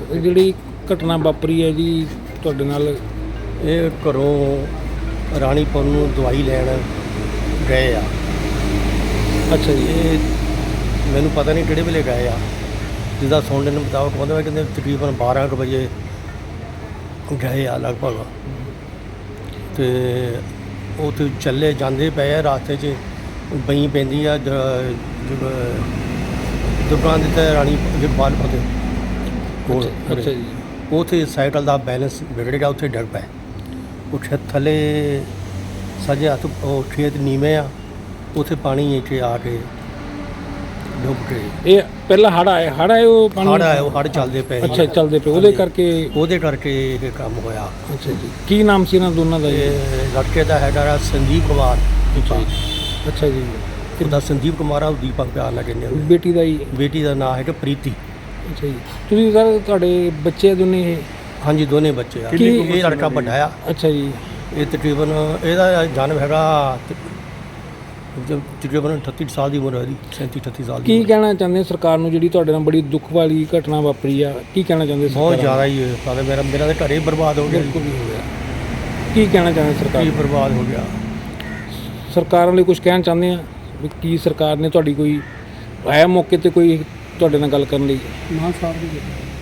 ਜਿਹੜੀ ਘਟਨਾ ਵਾਪਰੀ ਹੈ ਜੀ ਤੁਹਾਡੇ ਨਾਲ? ਇਹ ਘਰੋਂ ਰਾਣੀਪੁਰ ਨੂੰ ਦਵਾਈ ਲੈਣ ਗਏ ਆ। ਅੱਛਾ ਜੀ। ਇਹ ਮੈਨੂੰ ਪਤਾ ਨਹੀਂ ਕਿਹੜੇ ਵੇਲੇ ਗਏ ਆ, ਜਿੱਦਾਂ ਸੁਣਨ ਨੂੰ ਮੁਤਾਬਕ ਕਹਿੰਦੇ ਤਕਰੀਬਨ 12 ਕੁ ਵਜੇ ਗਏ ਆ ਲਗਭਗ। ਅਤੇ ਉੱਥੇ ਚੱਲੇ ਜਾਂਦੇ ਪਏ ਆ, ਰਾਸਤੇ 'ਚ ਬਈ ਪੈਂਦੀ ਆ ਦੁਕਾਨ ਦੇ ਤੇ ਰਾਣੀ ਜਗਪਾਲਪੁਰ ਦੇ ਕੋਲ। ਅੱਛਾ ਜੀ। ਉੱਥੇ ਸਾਈਕਲ ਦਾ ਬੈਲੈਂਸ ਵਿਗੜ ਗਿਆ, ਉੱਥੇ ਡਿੱਗ ਪਏ। ਉੱਥੇ ਥੱਲੇ ਸੱਜੇ ਹੱਥ ਉਹ ਖੇਤ ਨੀਵੇਂ ਆ, ਉੱਥੇ ਪਾਣੀ ਇੱਥੇ ਆ ਕੇ ਡੁੱਬ ਗਏ। ਇਹ ਪਹਿਲਾਂ ਹੜ੍ਹ ਆਏ ਉਹ ਪਾਣੀ? ਹੜ੍ਹ ਚੱਲਦੇ ਪਏ। ਅੱਛਾ, ਚੱਲਦੇ ਪਏ, ਉਹਦੇ ਕਰਕੇ ਇਹ ਕੰਮ ਹੋਇਆ। ਅੱਛਾ ਜੀ। ਕੀ ਨਾਮ ਸੀ ਇਹਨਾਂ ਦੋਨਾਂ ਦਾ? ਇਹ ਲੜਕੇ ਦਾ ਹੈਗਾ ਸੰਦੀਪ ਕੁਮਾਰ। ਅੱਛਾ ਜੀ। ਉਹਦਾ ਸੰਦੀਪ ਕੁਮਾਰ ਆ, ਉਹ ਦੀਪਕ ਪਿਆਰ ਨਾਲ ਕਹਿੰਦੇ। ਬੇਟੀ ਦਾ ਹੀ? ਬੇਟੀ ਦਾ ਨਾਂ ਹੈਗਾ ਪ੍ਰੀਤੀ। ਅੱਛਾ ਜੀ। ਤੁਸੀਂ ਸਰ ਤੁਹਾਡੇ ਬੱਚੇ ਦੋਨੇ ਇਹ? ਹਾਂਜੀ, ਦੋਨੇ ਬੱਚੇ ਆ। ਇਹ ਲੜਕਾ ਵੱਡਾ ਆ। ਅੱਛਾ ਜੀ। ਇਹ ਤਕਰੀਬਨ ਇਹਦਾ ਜਨਮ ਹੈਗਾ ਤਕਰੀਬਨ 38 ਸਾਲ ਦੀ ਉਮਰ ਹੈ ਇਹਦੀ, 37-38 ਸਾਲ ਦੀ। ਕੀ ਕਹਿਣਾ ਚਾਹੁੰਦੇ ਸਰਕਾਰ ਨੂੰ, ਜਿਹੜੀ ਤੁਹਾਡੇ ਨਾਲ ਬੜੀ ਦੁੱਖ ਵਾਲੀ ਘਟਨਾ ਵਾਪਰੀ ਆ? ਕੀ ਕਹਿਣਾ ਚਾਹੁੰਦੇ? ਬਹੁਤ ਜ਼ਿਆਦਾ ਹੀ ਹੈ। ਮੇਰਾ ਤਾਂ ਘਰ ਹੀ ਬਰਬਾਦ ਹੋ ਗਿਆ। ਬਿਲਕੁਲ ਹੀ ਹੋ ਗਿਆ। ਕੀ ਕਹਿਣਾ ਚਾਹੁੰਦੇ ਸਰਕਾਰ? ਕੀ ਬਰਬਾਦ ਹੋ ਗਿਆ। ਸਰਕਾਰਾਂ ਲਈ ਕੁਝ ਕਹਿਣਾ ਚਾਹੁੰਦੇ ਆ ਵੀ ਕੀ ਸਰਕਾਰ ਨੇ ਤੁਹਾਡੀ ਕੋਈ ਆਇਆ ਮੌਕੇ 'ਤੇ ਕੋਈ ਤੁਹਾਡੇ ਨਾਲ ਗੱਲ ਕਰਨ ਲਈ? ਮਾਨ ਸਾਹਿਬ ਵੀ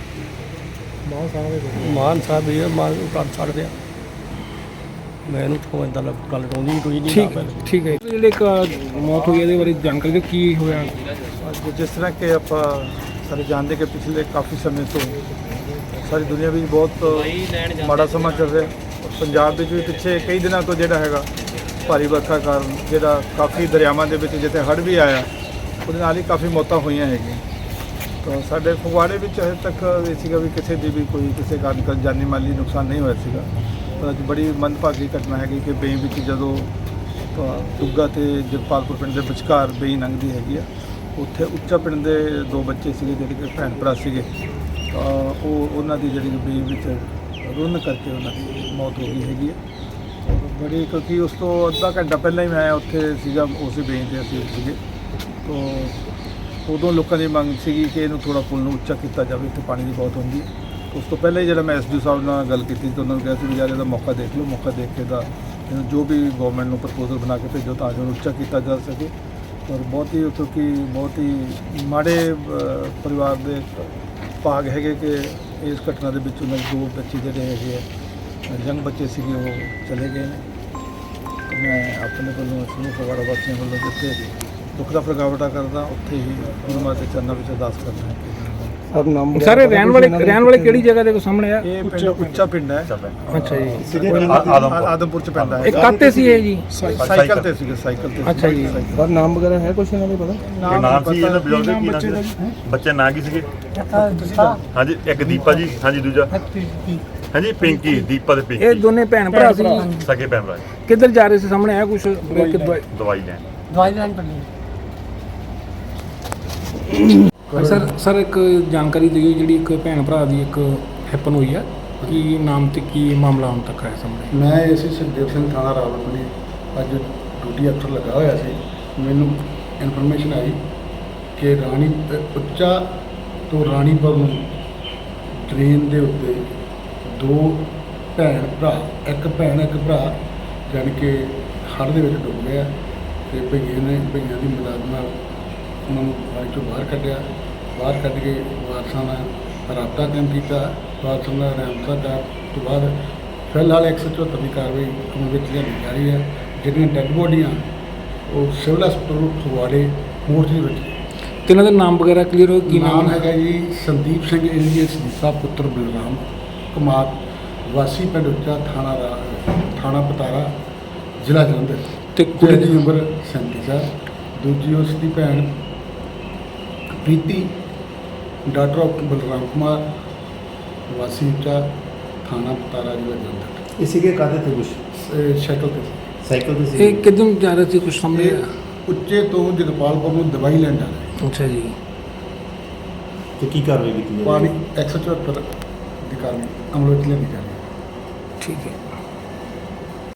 ਮਾਨ ਕਰ ਸਕਦੇ ਆ। ਮੈਨੂੰ ਤਾਂ ਇੱਦਾਂ ਗੱਲ ਆਉਂਦੀ ਕੋਈ ਨਹੀਂ। ਠੀਕ ਹੈ। ਜਿਹੜੇ ਇੱਕ ਮੌਤ ਹੋਈ ਇਹਦੇ ਬਾਰੇ ਜਾਣਕਾਰੀ ਦਿਓ, ਕੀ ਹੋਇਆ? ਜਿਸ ਤਰ੍ਹਾਂ ਕਿ ਆਪਾਂ ਸਾਰੇ ਜਾਣਦੇ ਕਿ ਪਿਛਲੇ ਕਾਫੀ ਸਮੇਂ ਤੋਂ ਸਾਰੀ ਦੁਨੀਆ ਵਿੱਚ ਬਹੁਤ ਮਾੜਾ ਸਮਾਂ ਚੱਲ ਰਿਹਾ। ਪੰਜਾਬ ਵਿੱਚ ਵੀ ਪਿੱਛੇ ਕਈ ਦਿਨਾਂ ਤੋਂ ਜਿਹੜਾ ਹੈਗਾ ਭਾਰੀ ਵਰਖਾ ਕਾਰਨ ਜਿਹੜਾ ਕਾਫੀ ਦਰਿਆਵਾਂ ਦੇ ਵਿੱਚ ਜਿੱਥੇ ਹੜ੍ਹ ਵੀ ਆਇਆ, ਉਹਦੇ ਨਾਲ ਹੀ ਕਾਫੀ ਮੌਤਾਂ ਹੋਈਆਂ ਹੈਗੀਆਂ। ਤਾਂ ਸਾਡੇ ਫਗਵਾੜੇ ਵਿੱਚ ਹਜੇ ਤੱਕ ਇਹ ਸੀਗਾ ਵੀ ਕਿਸੇ ਦੀ ਵੀ ਕੋਈ ਕਿਸੇ ਕਾਰਨ ਜਾਨੀ ਮਾਲੀ ਨੁਕਸਾਨ ਨਹੀਂ ਹੋਇਆ ਸੀਗਾ। ਪਰ ਅੱਜ ਬੜੀ ਮੰਦਭਾਗੀ ਘਟਨਾ ਹੈਗੀ ਕਿ ਬੇਈ ਵਿੱਚ ਜਦੋਂ ਟੁੱਗਾ ਅਤੇ ਜਗਪਾਲਪੁਰ ਪਿੰਡ ਦੇ ਵਿਚਕਾਰ ਬੇਈ ਲੰਘਦੀ ਹੈਗੀ ਆ, ਉੱਥੇ ਉੱਚਾ ਪਿੰਡ ਦੇ 2 ਬੱਚੇ ਸੀਗੇ ਜਿਹੜੇ ਕਿ ਭੈਣ ਭਰਾ ਸੀਗੇ। ਤਾਂ ਉਹਨਾਂ ਦੀ ਜਿਹੜੀ ਬੇਈ ਵਿੱਚ ਰੁੰਨ ਕਰਕੇ ਉਹਨਾਂ ਦੀ ਮੌਤ ਹੋ ਗਈ ਹੈਗੀ ਆ। ਬੜੀ, ਕਿਉਂਕਿ ਉਸ ਤੋਂ ਅੱਧਾ ਘੰਟਾ ਪਹਿਲਾਂ ਹੀ ਮੈਂ ਉੱਥੇ ਸੀਗਾ, ਉਸੇ ਬੇਈ 'ਤੇ ਅਸੀਂ ਸੀਗੇ। ਤਾਂ ਉਦੋਂ ਲੋਕਾਂ ਦੀ ਮੰਗ ਸੀਗੀ ਕਿ ਇਹਨੂੰ ਥੋੜ੍ਹਾ ਪੁਲ ਨੂੰ ਉੱਚਾ ਕੀਤਾ ਜਾਵੇ, ਇੱਥੇ ਪਾਣੀ ਦੀ ਬਹੁਤ ਹੁੰਦੀ ਹੈ। ਉਸ ਤੋਂ ਪਹਿਲਾਂ ਹੀ ਜਿਹੜਾ ਮੈਂ ਐਸਡੀਓ ਸਾਹਿਬ ਨਾਲ ਗੱਲ ਕੀਤੀ ਤਾਂ ਉਹਨਾਂ ਨੂੰ ਕਿਹਾ ਸੀ ਵੀ ਯਾਰ ਇਹਦਾ ਮੌਕਾ ਦੇਖ ਲਓ, ਮੌਕਾ ਦੇਖ ਕੇ ਦਾ ਜੋ ਵੀ ਗਵਰਨਮੈਂਟ ਨੂੰ ਪ੍ਰਪੋਜ਼ਲ ਬਣਾ ਕੇ ਭੇਜੋ ਤਾਂ ਜੋ ਉੱਚਾ ਕੀਤਾ ਜਾ ਸਕੇ। ਔਰ ਬਹੁਤ ਹੀ ਕਿਉਂਕਿ ਬਹੁਤ ਹੀ ਮਾੜੇ ਪਰਿਵਾਰ ਦੇ ਭਾਗ ਹੈਗੇ ਕਿ ਇਸ ਘਟਨਾ ਦੇ ਵਿੱਚ ਉਹਨਾਂ ਦੇ 2 ਬੱਚੇ ਜਿਹੜੇ ਹੈਗੇ ਆ ਯੰਗ ਬੱਚੇ ਸੀਗੇ, ਉਹ ਚਲੇ ਗਏ ਨੇ। ਮੈਂ ਆਪਣੇ ਵੱਲੋਂ ਸਮੂਹ ਫਗਵਾੜਾ ਵਾਸੀਆਂ ਵੱਲੋਂ ਜਿੱਥੇ ਦੁੱਖ ਦਾ ਪ੍ਰਗਟਾਵਾ ਕਰਦਾ, ਉੱਥੇ ਹੀ ਗੁਰੂ ਮਾਤਾ ਦੇ ਚਰਨਾਂ ਵਿੱਚ ਅਰਦਾਸ ਕਰਦਾ ਹਾਂ। ਸਾਰੇ ਰਹਿਣ ਵਾਲੇ ਕਿਹੜੀ ਜਗ੍ਹਾ ਦੇ ਸਾਹਮਣੇ ਆ? ਇਹ ਪਿੰਡ ਉੱਚਾ ਪਿੰਡ ਹੈ। ਅੱਛਾ ਜੀ। ਆਦਮਪੁਰ ਚ ਪੈਂਦਾ ਹੈ। ਇਹ ਕਾਤੇ ਸੀ ਇਹ ਜੀ? ਸਾਈਕਲ ਤੇ ਸੀਗੇ, ਸਾਈਕਲ ਤੇ। ਅੱਛਾ ਜੀ। ਪਰ ਨਾਮ ਵਗੈਰਾ ਹੈ ਕੁਛ ਇਹਨਾਂ ਦੇ ਪਤਾ? ਨਾਮ ਸੀ ਇਹਨਾਂ ਬਜ਼ੁਰਗ ਕੀ ਨਾਮ ਸੀ? ਬੱਚੇ ਨਾਂ ਕੀ ਸੀਗੇ? ਹਾਂਜੀ, ਇੱਕ ਦੀਪਾ ਜੀ, ਹਾਂਜੀ, ਦੂਜਾ ਹਾਂਜੀ ਪਿੰਕੀ। ਦੀਪਾ ਤੇ ਪਿੰਕੀ। ਇਹ ਦੋਨੇ ਭੈਣ ਭਰਾ ਸੀ? ਸਕੇ ਭੈਣ ਭਰਾ। ਕਿੱਧਰ ਜਾ ਰਹੇ ਸੀ ਸਾਹਮਣੇ ਆਇਆ ਕੁਛ? ਦਵਾਈ ਲੈਣ ਪੱਲੀ। ਸਰ ਇੱਕ ਜਾਣਕਾਰੀ ਦਿਓ, ਜਿਹੜੀ ਇੱਕ ਭੈਣ ਭਰਾ ਦੀ ਇੱਕ ਹੈਪਨ ਹੋਈ ਆ, ਕੀ ਨਾਮ ਤੇ ਕੀ ਮਾਮਲਾ ਹੁਣ ਤੱਕ ਆਇਆ ਸਾਹਮਣੇ? ਮੈਂ ਏਸੀ ਸੁਖਦੇਵ ਸਿੰਘ ਥਾਣਾ ਰਾਵਲਪਿੰਡੀ ਅੱਜ ਡਿਊਟੀ ਅਫਸਰ ਲੱਗਾ ਹੋਇਆ ਸੀ। ਮੈਨੂੰ ਇਨਫੋਰਮੇਸ਼ਨ ਆਈ ਕਿ ਉੱਚਾ ਤੋਂ ਰਾਣੀਪੁਰ ਨੂੰ ਟ੍ਰੇਨ ਦੇ ਉੱਤੇ 2 ਭੈਣ ਭਰਾ, ਇੱਕ ਭੈਣ ਇੱਕ ਭਰਾ ਜਾਣੀ ਕਿ ਹੜ੍ਹ ਦੇ ਵਿੱਚ ਡੁੱਬ ਗਿਆ ਅਤੇ ਭਈਆਂ ਦੀ ਮਦਦ ਨਾਲ ਉਹਨਾਂ ਨੂੰ ਪਾਣੀ ਚੋਂ ਬਾਹਰ ਕੱਢਿਆ। ਬਾਹਰ ਕੱਢ ਕੇ ਵਾਰਸਾਂ ਨਾਲ ਰਾਬਤਾ ਕਾਇਮ ਕੀਤਾ। ਵਾਰਸਾਂ ਨਾਲ ਰਾਬਤਾ ਕਰਨ ਤੋਂ ਬਾਅਦ ਫਿਲਹਾਲ 174 ਦੀ ਕਾਰਵਾਈ ਅਮਲ ਵਿੱਚ ਲਿਆਂਦੀ ਜਾ ਰਹੀ ਹੈ। ਜਿਹੜੀਆਂ ਡੈੱਡ ਬੋਡੀਆਂ ਉਹ ਸਿਵਲ ਹਸਪਤਾਲ ਫਗਵਾੜੇ ਮੋਰਚੇ ਵਿੱਚ। ਕਿਹਨਾਂ ਦੇ ਨਾਮ ਵਗੈਰਾ ਕਲੀਅਰ ਹੋ? ਕੀ ਨਾਮ ਹੈਗਾ ਜੀ ਸੰਦੀਪ ਸਿੰਘ ਏਲੀਅਸ ਦੀਪਾ ਪੁੱਤਰ ਬਲਰਾਮ ਕੁਮਾਰ, ਵਾਸੀ ਪਿੰਡ ਉੱਚਾ, ਥਾਣਾ ਪਤਾਰਾ, ਜ਼ਿਲ੍ਹਾ ਜਲੰਧਰ। ਤੇ ਕੁੜੀ ਦੀ ਉਮਰ 37 ਸਾਲ। ਦੂਜੀ ਉਸ ਦੀ ਭੈਣ ਪ੍ਰੀਤੀ, ਡਾਕਟਰ ਆਫ ਬਲਰਾਮ ਕੁਮਾਰ, ਵਾਸੀ ਉੱਚਾ, ਥਾਣਾ ਪਤਾਰਾ, ਜ਼ਿਲ੍ਹਾ ਜਲੰਧਰ। ਇਸੇ ਕੇ ਕਾਹਦੇ ਤੇ ਕੁਛ ਸਾਈਕਲ ਤੇ ਸੀ। ਇਹ ਕਿੱਦੋਂ ਜਾ ਰਹੇ ਸੀ ਕੁਛ ਸਾਹਮਣੇ? ਉੱਚੇ ਤੋਂ ਜਗਪਾਲਪੁਰ ਨੂੰ ਦਵਾਈ ਲੈਣ ਜਾ ਰਹੇ। ਅੱਛਾ ਜੀ। ਤੇ ਕੀ ਕਾਰਵਾਈ ਕੀਤੀ? ਪਾਣੀ 174 ਦੀ ਕਾਰਵਾਈ ਅਮਲ ਵਿੱਚ ਲਿਆਂਦੀ ਜਾ ਰਹੀ ਹੈ। ਠੀਕ ਹੈ।